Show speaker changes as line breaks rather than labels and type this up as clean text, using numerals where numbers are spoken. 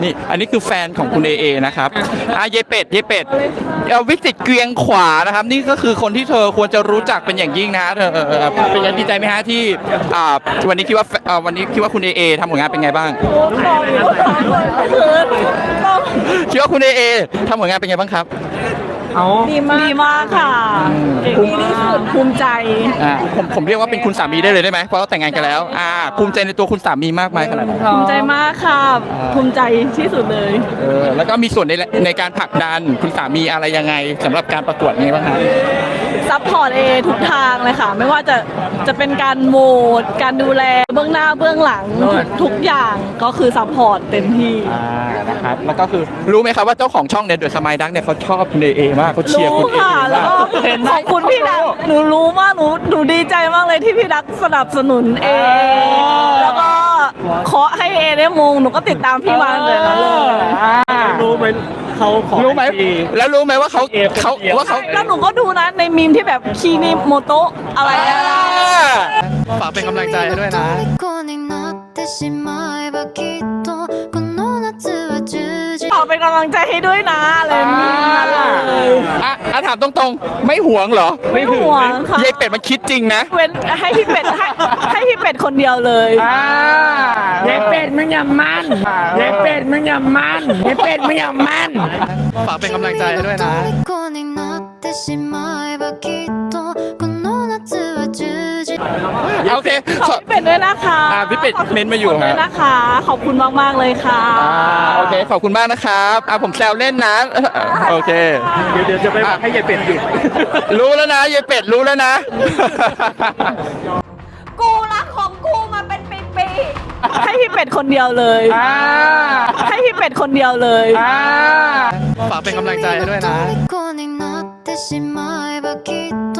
นี่อันนี้คือแฟนของคุณเอเอนะครับเยเป็ดวิสิตเกรียงขวานะครับนี่ก็คือคนที่เธอควรจะรู้จักเป็นอย่างยิ่งนะเธอเป็นยังดีใจไหมฮะที่วันนี้คิดว่าคุณเอเอทำผลงานเป็นไงบ้างคิดว่าคุณเอเอทำผลงานเป็นไงบ้างครับ
ดีมากค่ะดีที่สุดภูมิใจ
ผมเรียกว่าเป็นคุณสามีได้เลยได้ไหมเพราะว่าแต่งงานกันแล้วภูมิใจในตัวคุณสามีมากไหมขนาดนั้น
ภูมิใจมากค่ะภูมิใจที่สุดเลย
แล้วก็มีส่วนในการผลักดันคุณสามีอะไรยังไงสำหรับการประกวดนี้บ้างครับ
ซัพพอร์ตทุกทางเลยค่ะไม่ว่าจะเป็นการโหวตการดูแลเบื้องหน้าเบื้องหลังทุกอย่างก็คือซัพพอร์ตเต็มที่
นะครับแล้วก็คือรู้ไหมครับว่าเจ้าของช่องเนี่ยเดอะสมายดักเนี่ยเขาชอบคุณเอมากเขาเชียร์คุณเอ
ค่ะแล้วก็ขอบคุณพี่ดักหนูรู้มากหนูดีใจมากเลยที่พี่ดักสนับสนุนแล้วก็เคาะให้ได้มงหนูก็ติดตามพี่มาเลยนะ
รู้ไหมเขาขอ
รู้ไหมแล้วรู้ไหมว่าเขา
แล้วหนูก็ดูนะในมีมที่แบบคีนิโมโตะอะไร
ฝากเป็นกำลังใจให้ด้วยนะ
ขอเป็นกำลังใจให้ด้วยนะเลย
ถามตรงๆไม่หวงเหรอ
ไม่หวงค่ะ
ยายเป็ดมันคิดจริงนะ
เว้นให้พี่เป็ดให้พี่เป็ดคนเดียวเลย
ยายเป็ดมึงอย่ามันยายเป็ดมึงอย่ามันยายเป็ดมึงอย่ามัน
ฝากเป็นกำลังใจให้ด้วยนะโอเค
ขอบพี่เป็ดด้วยนะคะ
พี่เป็ดเม้นมาอยู่
ด้วยนะคะขอบคุณมากๆเลยค่ะ
โอเคขอบคุณมากนะครับผมแซวเล่นนะโอเค
เดี๋ยวจะไปให้ยายเป็ดหยุด
รู้แล้วนะยายเป็ดรู้แล้วนะ
กูรักของกูมาเป็นปีๆให้พี่เป็ดคนเดียวเลยให้พี่เป็ดคนเดียวเลย
ฝากเป็นกำลังใจให้ด้วยนะ